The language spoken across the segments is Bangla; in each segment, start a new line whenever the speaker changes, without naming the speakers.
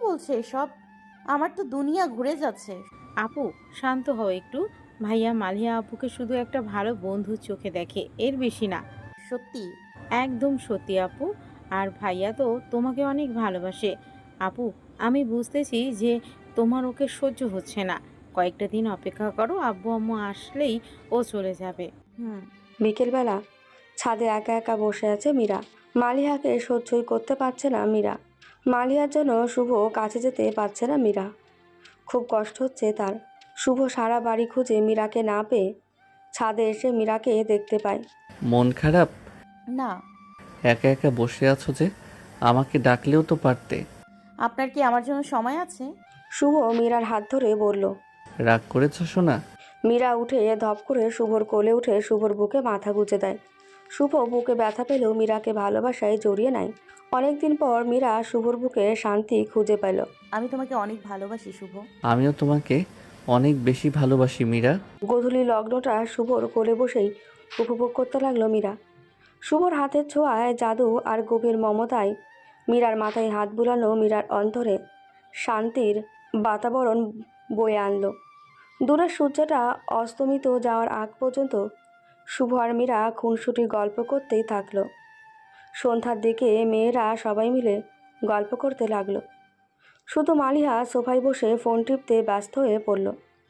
বলছে এসব? আমার তো দুনিয়া ঘুরে যাচ্ছে।
আপু শান্ত হও একটু। ভাইয়া মালিয়া আপুকে শুধু একটা ভালো বন্ধুর চোখে দেখে, এর বেশি না।
সত্যি?
একদম সত্যি আপু। আর ভাইয়া তো তোমাকে অনেক ভালোবাসে। আপু, আমি বুঝতেছি যে তোমার ওকে সহ্য হচ্ছে না। কয়েকটা দিন অপেক্ষা করো, আব্বু আম্মু আসলেই ও চলে যাবে।
হুম।
বিকেলবেলা ছাদে একা একা বসে আছে মীরা। মালিহাকে সহ্যই করতে পারছে না মীরা। মালিহার জন্য শুভ কাছে যেতে পারছে না মীরা। খুব কষ্ট হচ্ছে তার। শুভ সারা বাড়ি খুঁজে মীরাকে না পেয়ে ছাদে এসে মীরাকে দেখতে পায়।
মন খারাপ?
না।
একা একা বসে আছো যে? আমাকে ডাকলেও তো পারতে।
আপনার কি আমার জন্য সময় আছে?
শুভ মীরার হাত ধরে বলল।
রাগ করেছ শোনা?
মীরা উঠে ধপ করে শুভর কোলে উঠে শুভর বুকে মাথা গুঁজে দেয়। শুভ বুকে ব্যথা পেলেও মীরাকে ভালোবাসায় জড়িয়ে নেয়। অনেকদিন পর মীরা শুভর বুকে শান্তি খুঁজে পেল।
আমি তোমাকে অনেক ভালোবাসি শুভ।
আমিও তোমাকে অনেক বেশি ভালোবাসি মীরা।
গোধূলি লগ্নটা শুভর কোলে বসেই উপভোগ করতে লাগলো মীরা। শুভর হাতের ছোঁয়ায়, জাদু আর গভীর মমতায় মীরার মাথায় হাত বুলানো মীরার অন্তরে শান্তির বাতাবরণ বয়ে আনলো। দূরের সূর্যটা অস্তমিত যাওয়ার আগ পর্যন্ত শুভ আর মীরা খুনসুটির গল্প করতেই থাকলো। সন্ধ্যার দিকে মেয়েরা সবাই মিলে গল্প করতে লাগলো। শুধু মালিহা সোফায় বসে ফোন টিপতে ব্যস্ত হয়ে পড়ল।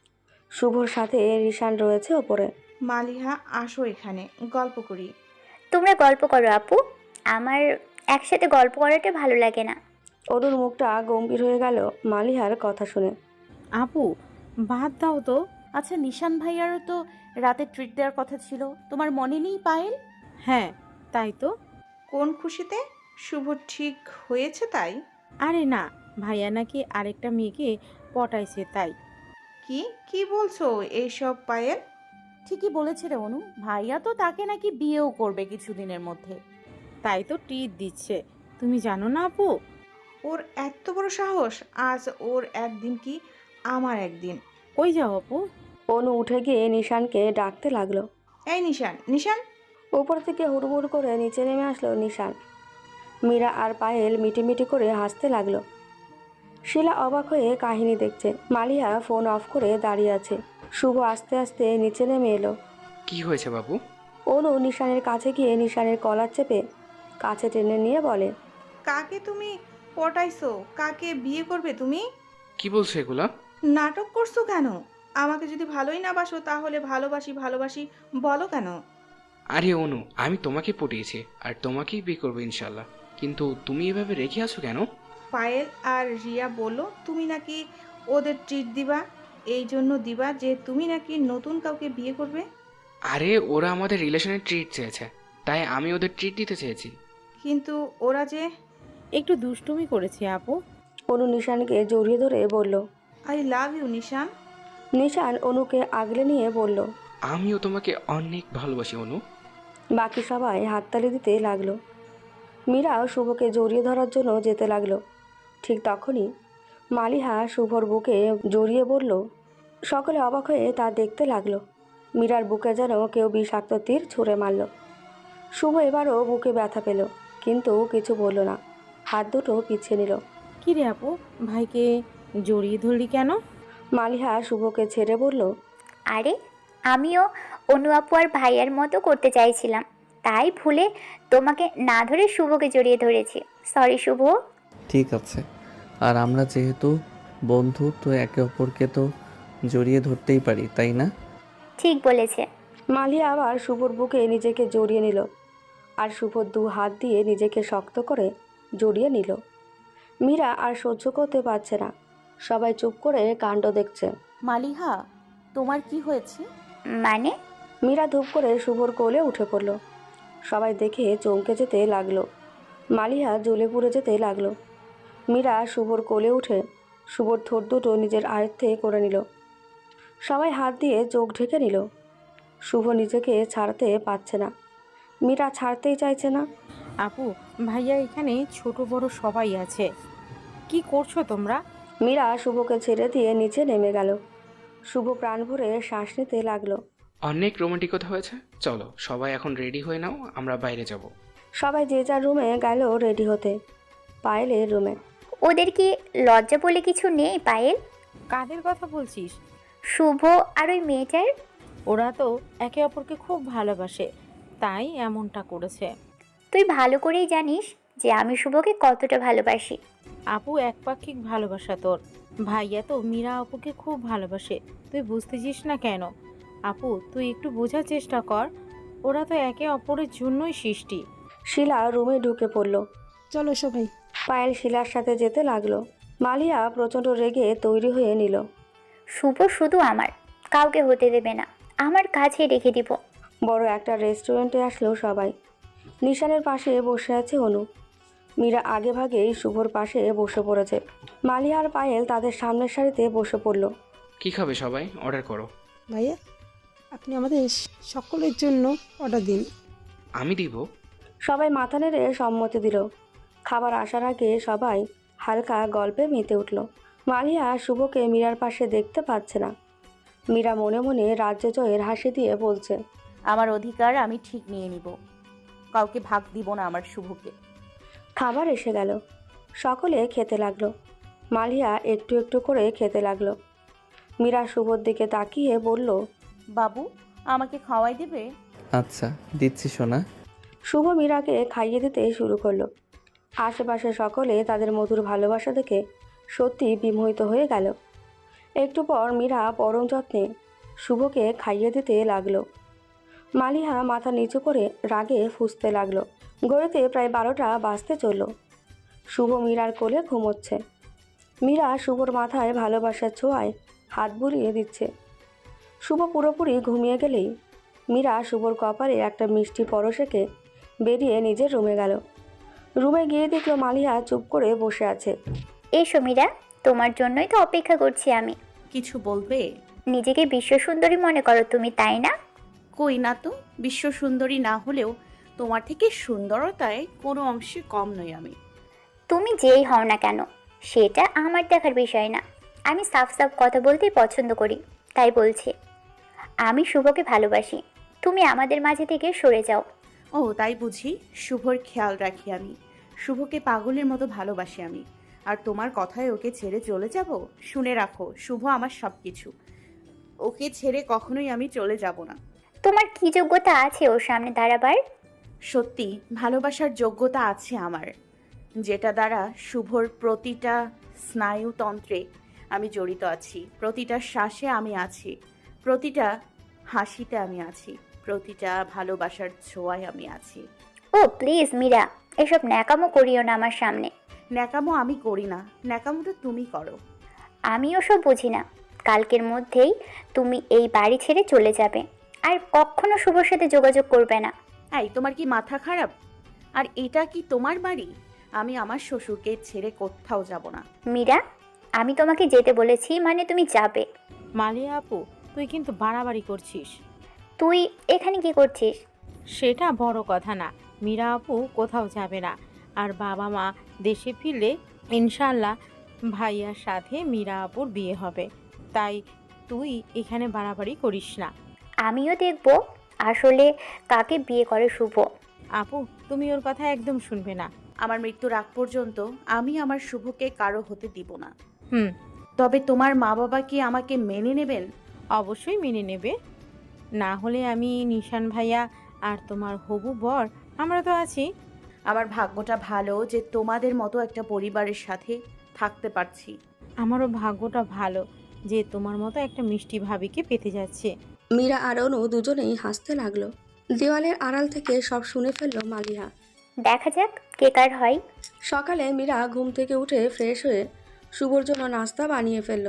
শুভর সাথে রিশান রয়েছে ওপরে।
মালিহা, আসো এখানে গল্প করি।
তোমরা গল্প করো আপু, আমার একসাথে গল্প করাটা ভালো লাগে না।
অরুর মুখটা গম্ভীর হয়ে গেল মালিহার কথা শুনে।
আপু বাদ দাও তো।
আচ্ছা, নিশান ভাইয়ারও তো রাতে ট্রিট দেওয়ার কথা ছিল, তোমার মনে নেই পায়েল?
হ্যাঁ, তাই তো।
কোন খুশিতে? শুভ ঠিক হয়েছে তাই?
আরে না, ভাইয়া নাকি আরেকটা মেয়েকে পটাইছে তাই।
কি কি বলছো এইসব পায়েল?
ঠিকই বলেছে রে অনু, ভাইয়া তো তাকে নাকি বিয়েও করবে কিছুদিনের মধ্যে।
তাই তো ট্রিট দিচ্ছে। তুমি জানো না আপু?
ওর এত বড় সাহস! আজ ওর একদিন কি আমার একদিন।
কই যাও আপু?
অনু উঠে গিয়ে নিশানকে ডাকতে লাগলো।
এই নিশান, নিশান!
উপর থেকে হুড়মুড় করে নিচে নেমে আসলো নিশান। মীরা আর পায়েল মিটিমিটি করে হাসতে লাগলো। শিলা অবাক হয়ে কাহিনী দেখছে। মালিহা ফোন অফ করে দাঁড়িয়ে আছে। শুভ আস্তে আস্তে নিচে নেমে এলো।
কি হয়েছে বাবু?
অনু নিশানের কাছে গিয়ে নিশানের কলার চেপে কাছে টেনে নিয়ে বলে।
কাকে তুমি পটাইছো? কাকে বিয়ে করবে তুমি?
কি বলছো এগুলা?
নাটক করছো কেন? আমাকে যদি ভালোই না বাসো তাহলে ভালোবাসি ভালোবাসি বলো কেন?
আরে অনু, আমি তোমাকে পটিয়েছি আর তোমাকেই বিয়ে করবো ইনশাল্লাহ। কিন্তু তুমি এভাবে রেখে আছো কেন?
পায়েল আর রিয়া বলল তুমি নাকি ওদের ট্রিট দিবা, এই জন্য দিবা যে তুমি নাকি নতুন কাউকে বিয়ে করবে।
আরে ওরা আমাদের রিলেশনের ট্রিট চেয়েছে, তাই আমি ওদের ট্রিট দিতে চেয়েছি।
কিন্তু ওরা যে।
একটু দুষ্টুমি করেছে আপু।
অনু নিশানকে জড়িয়ে ধরে বলল।
আই লাভ ইউ নিশান।
নিশান অনুকে আগলে নিয়ে বলল।
আমিও তোমাকে অনেক ভালোবাসি অনু।
বাকি সবাই হাততালি দিতে লাগলো। মীরাও শুভকে জড়িয়ে ধরার জন্য যেতে লাগলো। ঠিক তখনই মালিহা শুভর বুকে জড়িয়ে বলল। সকলে অবাক হয়ে তা দেখতে লাগলো। মীরার বুকে যেন কেউ বিষাক্ত তীর ছুঁড়ে মারল। শুভ এবারও বুকে ব্যথা পেল, কিন্তু কিছু বলল না। হাত দুটো পিছিয়ে নিল।
কি রে আপু, ভাইকে জড়িয়ে ধরলি কেন?
মালিহা শুভকে ছেড়ে বলল।
আরে আমিও অনু আপু আর ভাইয়ার মতো করতে চাইছিলাম, তাই ভুলে তোমাকে না ধরে শুভকে জড়িয়ে ধরেছি। সরি শুভ।
ঠিক আছে, আর আমরা যেহেতু বন্ধু তো একে অপরকে তো জড়িয়ে ধরতেই পারি, তাই না?
ঠিক বলেছে।
মালিয়া আবার শুভর বুকে নিজেকে জড়িয়ে নিল, আর শুভ দু হাত দিয়ে নিজেকে শক্ত করে জড়িয়ে নিল। মীরা আর সহ্য করতে পারছে না। সবাই চুপ করে কাণ্ড দেখছে।
মালিহা, তোমার কি হয়েছে?
মানে?
মীরা ধূপ করে শুভর কোলে উঠে পড়ল। সবাই দেখে চমকে যেতে লাগলো। মালিহা জ্বলে পুড়ে যেতে লাগলো। মীরা শুভর কোলে উঠে শুভর ঠোঁট দুটো নিজের আয়ত্তে করে নিল। সবাই হাত দিয়ে চোখ ঢেকে নিল। শুভ নিজেকে ছাড়তে পারছে না। মীরা ছাড়তেই চাইছে না।
আপু, ভাইয়া এখানে ছোট বড় সবাই আছে। কি করছো তোমরা?
মীরা শুভকে ছেড়ে দিয়ে নিচে নেমে গেল। শুভ প্রাণ ভরে শ্বাস নিতে লাগলো।
অনেক রোমান্টিকতা হয়েছে, চলো সবাই এখন রেডি হয়ে নাও, আমরা বাইরে যাব।
সবাই যে যার রুমে গেল রেডি হতে। পায়েলের রুমে।
ওদের কি লজ্জা বলে কিছু নেই পায়েল?
কাদের কথা বলছিস?
শুভ আর ওই মেয়েটার।
ওরা তো একে অপরকে খুব ভালোবাসে, তাই এমনটা করেছে।
তুই ভালো করেই জানিস যে আমি শুভকে কতটা ভালোবাসি।
আপু একপাক্ষিক ভালোবাসা তোর। ভাইয়া তো মীরা আপুকে খুব ভালোবাসে, তুই বুঝতেছিস না কেন? আপু তুই একটু বোঝার চেষ্টা কর, ওরা তো একে অপরের জন্যই সৃষ্টি।
শিলা রুমে ঢুকে পড়ল।
চলো সবাই।
পায়েল শিলার সাথে যেতে লাগলো। মালিয়া প্রচণ্ড রেগে তৈরি হয়ে নিল।
শুভ শুধু আমার, কাউকে হতে দেবে না, আমার কাছে রেখে দিব।
বড় একটা রেস্টুরেন্টে আসলো সবাই। নিশানের পাশে বসে আছে অনু। মীরা আগে ভাগেই শুভর পাশে বসে পড়েছে। মালিয়া আর পায়েল তাদের সামনের সারিতে বসে পড়ল।
কি খাবে সবাই? অর্ডার করো।
ভাইয়া, আপনি আমাদের সকলের জন্য অর্ডার দিন।
আমি দিব।
সবাই মাথা নেড়ে সম্মতি দিল। খাবার আসার আগে সবাই হালকা গল্পে মেতে উঠল। মালিয়া শুভকে মীরার পাশে দেখতে পাচ্ছে না। মীরা মনে মনে রাজ্য জয়ের হাসি দিয়ে বলছে,
আমার অধিকার আমি ঠিক নিয়ে নিব, কাউকে ভাগ দিব না আমার শুভকে।
খাবার এসে গেল। সকলে খেতে লাগলো। মালিয়া একটু একটু করে খেতে লাগলো। মীরা শুভর দিকে তাকিয়ে বলল,
বাবু আমাকে খাওয়াই দেবে?
আচ্ছা দিচ্ছি সোনা।
শুভ মীরাকে খাইয়ে দিতে শুরু করলো। আশেপাশে সকলে তাদের মধুর ভালোবাসা দেখে সত্যি বিমোহিত হয়ে গেল। একটু পর মীরা পরম যত্নে শুভকে খাইয়ে দিতে লাগলো। মালিহা মাথা নিচু করে রাগে ফুঁসতে লাগলো। ঘড়িতে প্রায় 12টা বাজতে চলল। শুভ মীরার কোলে ঘুমোচ্ছে। মীরা শুভর মাথায় ভালোবাসার ছোঁয়ায় হাত বুলিয়ে দিচ্ছে। শুভ পুরোপুরি ঘুমিয়ে গেলেই মীরা শুভর কপালে একটা মিষ্টি পরশেকে বেরিয়ে নিজের রুমে গেল। রুমে গিয়ে দেখলো মালিহা চুপ করে বসে আছে।
এসো মীরা, তোমার জন্যই তো অপেক্ষা করছি আমি।
কিছু বলবে?
নিজেকে বিশ্ব সুন্দরী মনে করো তুমি, তাই না?
কই না তো, বিশ্ব সুন্দরী না হলেও তোমার থেকে সুন্দরতায় কোনো অংশে কম নই আমি।
তুমি যেই হও না কেন সেটা আমার দেখার বিষয় না। আমি সাফ সাফ কথা বলতেই পছন্দ করি, তাই বলছি আমি শুভকে ভালোবাসি। তুমি আমাদের মাঝে থেকে সরে যাও।
ও তাই বুঝি? শুভর খেয়াল রাখি আমি, শুভকে পাগলের মতো ভালোবাসি আমি, আর তোমার কথায় ওকে ছেড়ে চলে যাব? শুনে রাখো, শুভ আমার সব কিছু, ওকে ছেড়ে কখনোই আমি চলে যাব না।
তোমার কি যোগ্যতা আছে ওর সামনে দাঁড়াবার?
সত্যি ভালোবাসার যোগ্যতা আছে আমার, যেটা দ্বারা শুভর প্রতিটা স্নায়ুতন্ত্রে আমি জড়িত আছি, প্রতিটা শ্বাসে আমি আছি, প্রতিটা হাসিতে আমি আছি, প্রতিটা ভালোবাসার ছোঁয়ায় আমি আছি।
ও প্লিজ মীরা, এসব ন্যাকামো করিও না আমার সামনে।
ন্যাকামো আমি করি না, ন্যাকামোটা তুমি করো।
আমি ওসব বুঝি না। কালকের মধ্যেই তুমি এই বাড়ি ছেড়ে চলে যাবে, আর কখনো শুভর সাথে যোগাযোগ করবে না।
এই তোমার কি মাথা খারাপ? আর এটা কি তোমার বাড়ি? আমি আমার শ্বশুরকে ছেড়ে কোথাও যাব না।
মীরা, আমি তোমাকে যেতে বলেছি মানে তুমি যাবে।
মালিয়া আপু তুই কিন্তু বাড়াবাড়ি করছিস।
তুই এখানে কি করছিস?
সেটা বড় কথা না, মীরা আপু কোথাও যাবে না। আর বাবা মা দেশে ফিরলে ইনশাল্লাহ ভাইয়ার সাথে মীরা আপুর বিয়ে হবে, তাই তুই এখানে বাড়াবাড়ি করিস না।
আমিও দেখব আসলে কাকে বিয়ে করে শুভ।
আপু তুমি ওর কথা একদম শুনবে না।
আমার মৃত্যুর আগ পর্যন্ত আমি আমার শুভকে কারো হতে দিব না।
হুম,
তবে তোমার মা বাবা কি আমাকে মেনে নেবেন?
অবশ্যই মেনে নেবে, না হলে আমি নিশান ভাইয়া আর তোমার হবু বর আমরা তো আছি।
আমার ভাগ্যটা ভালো যে তোমাদের মতো একটা পরিবারের সাথে থাকতে পারছি।
আমারও ভাগ্যটা ভালো যে তোমার মতো একটা মিষ্টি ভাবিকে পেতে যাচ্ছে।
মীরা আর অনু দুজনেই হাসতে লাগলো। দেওয়ালের আড়াল থেকে সব শুনে ফেললো মালিহা।
দেখা যাক কে কার হয়।
সকালে মীরা ঘুম থেকে উঠে ফ্রেশ হয়ে শুভর জন্য নাস্তা বানিয়ে ফেললো।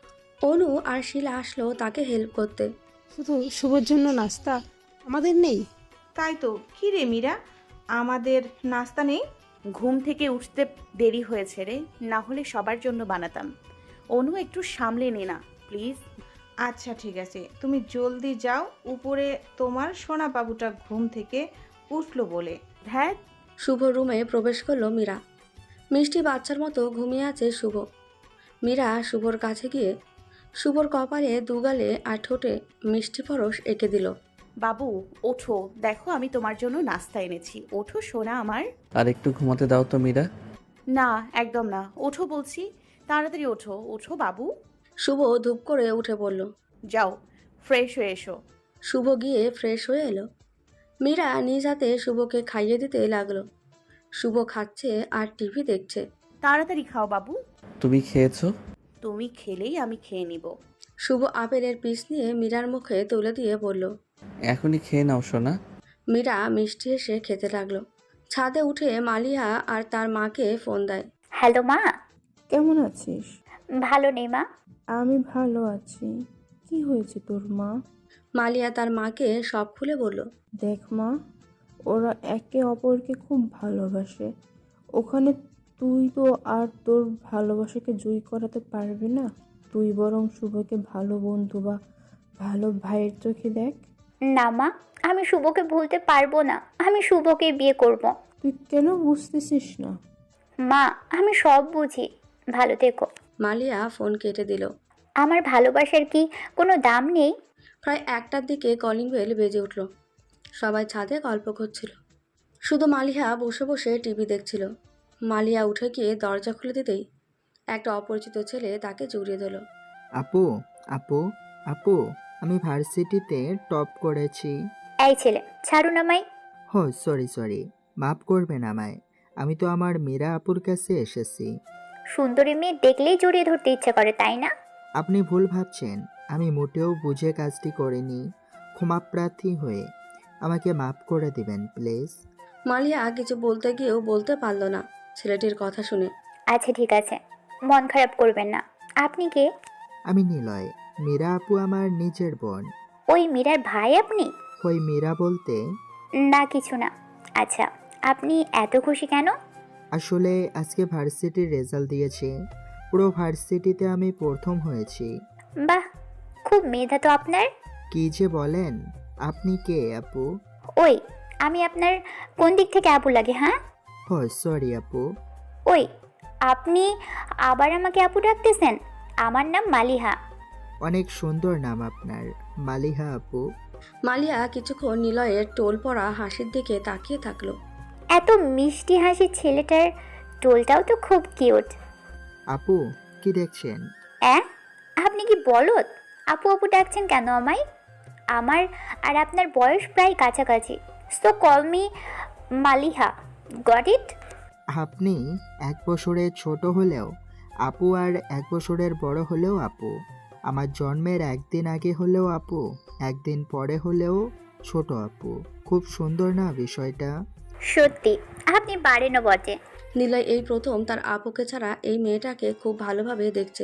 অনু আর শিলা আসলো তাকে হেল্প করতে।
শুধু শুভর জন্য নাস্তা, আমাদের নেই?
তাই তো, কি রে মীরা, আমাদের নাস্তা নেই?
ঘুম থেকে উঠতে দেরি হয়েছে রে, না হলে সবার জন্য বানাতাম। অনু একটু সামলে নে না প্লিজ।
আচ্ছা ঠিক আছে, তুমি জলদি যাও, উপরে তোমার সোনা বাবুটা ঘুম থেকে উঠলো বলে।
হ্যাঁ,
শুভ রুমে প্রবেশ করলো মীরা। মিষ্টি বাচ্চার মতো ঘুমিয়ে আছে শুভ। মীরা শুভর কাছে গিয়ে শুভর কপালে দুগালে আর ঠোঁটে মিষ্টি পরশ এঁকে দিল।
বাবু ওঠো, দেখো আমি তোমার জন্য নাস্তা এনেছি, ওঠো সোনা আমার।
আর একটু ঘুমাতে দাও তো মীরা।
না, একদম না। ওঠো বলছি, তাড়াতাড়ি ওঠো, ওঠো বাবু।
শুভ ধূপ করে উঠে পড়ল।
যাও, ফ্রেশ হয়ে এসো।
শুভ গিয়ে ফ্রেশ হয়ে এলো। মীরা নিজ হাতে শুভকে খাইয়ে দিতে লাগলো। শুভ খাচ্ছে আর টিভি দেখছে।
তাড়াতাড়ি খাও বাবু।
তুমি খেয়েছো?
তুমি খেলেই আমি খেয়ে নিব।
শুভ আপেলের পিস নিয়ে মীরার মুখে তুলে দিয়ে বলল।
এখনই খেয়ে নাও সোনা।
মীরা মিষ্টি এসে খেতে লাগলো। ছাদে উঠে মালিহা আর তার মাকে ফোন দেয়।
হ্যালো মা।
কেমন আছিস?
ভালো নেই মা।
আমি ভালো আছি। কি হয়েছে তোর মা?
মালিয়া তার মাকে সব খুলে বলল।
দেখ মা, ওরা একে অপরকে খুব ভালোবাসে। ওখানে তুই তো আর তোর ভালোবাসাকে জয়ী করাতে পারবি না। তুই বরং শুভকে ভালো বন্ধু বা ভালো ভাইয়ের চোখে দেখ।
না মা, আমি শুভকে ভুলতে পারবো না। আমি শুভকে বিয়ে করব।
তুই কেন বুঝতেছিস না?
মা, আমি সব বুঝি। ভালো থেকো।
মালিয়া ফোন কেটে দিল।
আমার ভালোবাসার কি কোনো দাম নেই?
প্রায় 1টার দিকে কলিং বেল বেজে উঠল। সবাই ছাদে গল্প করছিল। শুধু মালিহা বসে বসে টিভি দেখছিল। মালিয়া উঠে গিয়ে দরজা খুলে দিতেই একটা অপরিচিত ছেলে তাকে জড়িয়ে দিল।
আপু, আপু, আপু, আমি ভার্সিটিতে টপ করেছি।
এই ছেলে, ছাড়ুন আমায়।
হো, সরি, মাফ করবেন আমায়। আমি তো আমার মীরা আপুর কাছে এসেছি।
সুন্দরী মেয়ে দেখলেই জড়িয়ে ধরতে ইচ্ছা করে, তাই না?
আপনি ভুল ভাবছেন। আমি মোটেও বুঝে কাজটি করিনি। ক্ষমাপ্রার্থী হয়ে আমাকে মাফ করে দিবেন প্লিজ।
মালিয়া কিছু বলতে গিয়েও বলতে পারল না ছেলেটির কথা শুনে।
আচ্ছা ঠিক আছে, মন খারাপ করবেন না। আপনি কে?
আমি নিলয়। মীরা আপু আমার নিজের বোন।
ওই মীরার ভাই আপনি?
ওই মীরা বলতে?
না কিছু না। আচ্ছা, আপনি এত খুশি কেন?
আসলে আজকে ভার্সিটির রেজাল্ট দিয়েছে। পুরো ভার্সিটিতে আমি প্রথম হয়েছি।
বাহ, খুব মেধা তো আপনার।
কি যে বলেন! আপনি কে আপু?
ওই, আমি আপনার কোন দিক থেকে আপু লাগে? হ্যাঁ,
ও সরি আপু।
ওই, আপনি আবার আমাকে আপু ডাকতেছেন? আমার নাম মালিহা।
অনেক সুন্দর নাম আপনার, মালিহা আপু।
মালিয়া কিছুক্ষণ নিলয়ের টোল পড়া হাসির দিকে তাকিয়ে থাকলো।
এত মিষ্টি হাসির ছেলেটার টোলটাও তো খুব কিউট।
আপু, কি দেখছেন?
আপনি কি বলদ? আপু আপু ডাকছেন কেন আমায়? আমার আর আপনার বয়স প্রায় কাছাকাছি। So call me Maliha. Got it?
আপনি 1 বছরের ছোট হলেও আপু, আর 1 বছরের বড় হলেও আপু। আমার জন্মের 1 দিন আগে হলেও আপু, 1 দিন পরে হলেও ছোট আপু। খুব সুন্দর না বিষয়টা?
সত্যি আপনি পারেনও বটে।
নিলয় এই প্রথম তার আপুকে ছাড়া এই মেয়েটাকে খুব ভালোভাবে দেখছে।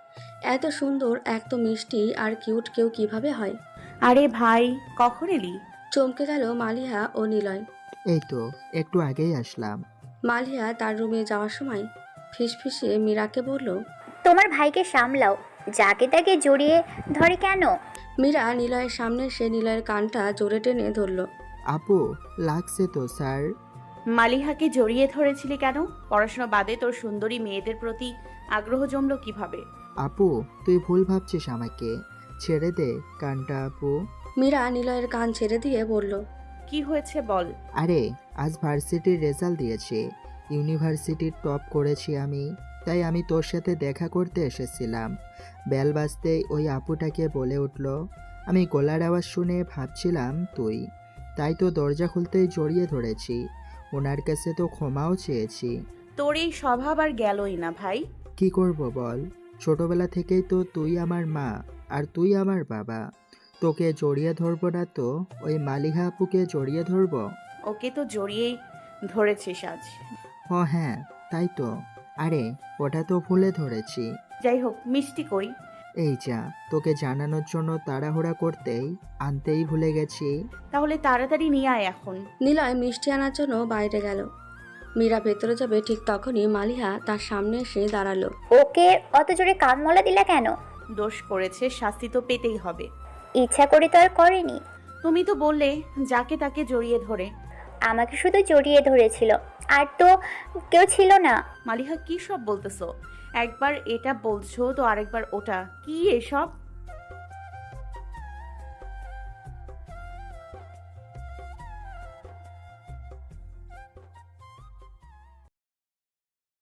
এত সুন্দর, এত মিষ্টি আর কিউট কেউ কিভাবে হয়?
আরে ভাই, কখন এলি?
চমকে গেল মালিহা ও নিলয়।
এই তো একটু আগেই আসলাম।
মালিহা তার রুমে যাওয়ার সময় ফিসফিসিয়ে মীরাকে বলল।
তোমার ভাইকে সামলাও, যাকে তাকে জড়িয়ে ধরে কেন?
মীরা নিলয়ের সামনে সে নিলয়ের কানটা জোরে টেনে ধরল।
আপু, লাগছে তো স্যার।
মালিহাকে জড়িয়ে ধরেছিলি কেন? পড়াশোনা বাদে তোর সুন্দরী মেয়েদের প্রতি আগ্রহ জমলো কিভাবে?
আপু, তুই ভুল ভাবছিস আমাকে। ছেড়ে দে কানটা আপু।
মীরা নিলয়ের কান ছেড়ে দিয়ে বলল।
কি হয়েছে বল।
আরে, আজ ভার্সিটির রেজাল্ট দিয়েছে। ইউনিভার্সিটির টপ করেছি আমি। তাই আমি তোর সাথে দেখা করতে এসেছিলাম। বেল বাজতেই ওই আপুটাকে বলে উঠল। আমি গলার আওয়াজ শুনে ভাবছিলাম তুই। তাই তো দরজা খুলতেই জড়িয়ে ধরেছি। ওনার কাছে তো ক্ষমাও চেয়েছি।
তোর এই স্বভাব আর গেলই না ভাই।
কি করব বল? ছোটবেলা থেকেই তো তুই আমার মা আর তুই আমার বাবা। তোকে জড়িয়ে ধরবো না তো ওই মালিহা আপুকে জড়িয়ে ধরবো?
ওকে তো জড়িয়েই ধরেছিস আজ।
ও হ্যাঁ, তাই তো। আরে, ওটা তো ভুলে ধরেছি।
যাই হোক, মিষ্টি কই?
এই যা, তোকে জানানোর জন্য তাড়াহুড়া করতেই আনতেই ভুলে গেছি।
তাহলে তাড়াতাড়ি নিয়ে আয় এখন।
নিলয় মিষ্টি আনার জন্য বাইরে গেল। মীরা ভেতরে যাবে ঠিক তখনই মালিহা তার সামনে এসে দাঁড়ালো।
ওকে অত জোরে কান মলা দিলা কেন?
দোষ করেছে, শাস্তি তো পেতেই হবে।
ইচ্ছা করে তো আর করেনি।
তুমি তো বললে যাকে তাকে জড়িয়ে ধরে।
আমাকে শুধু জড়িয়ে ধরেছিল, আর তো কেউ ছিল না।
মালিহা কি সব বলতেছো? একবার এটা বলছো তো আরেকবার ওটা, কি এসব?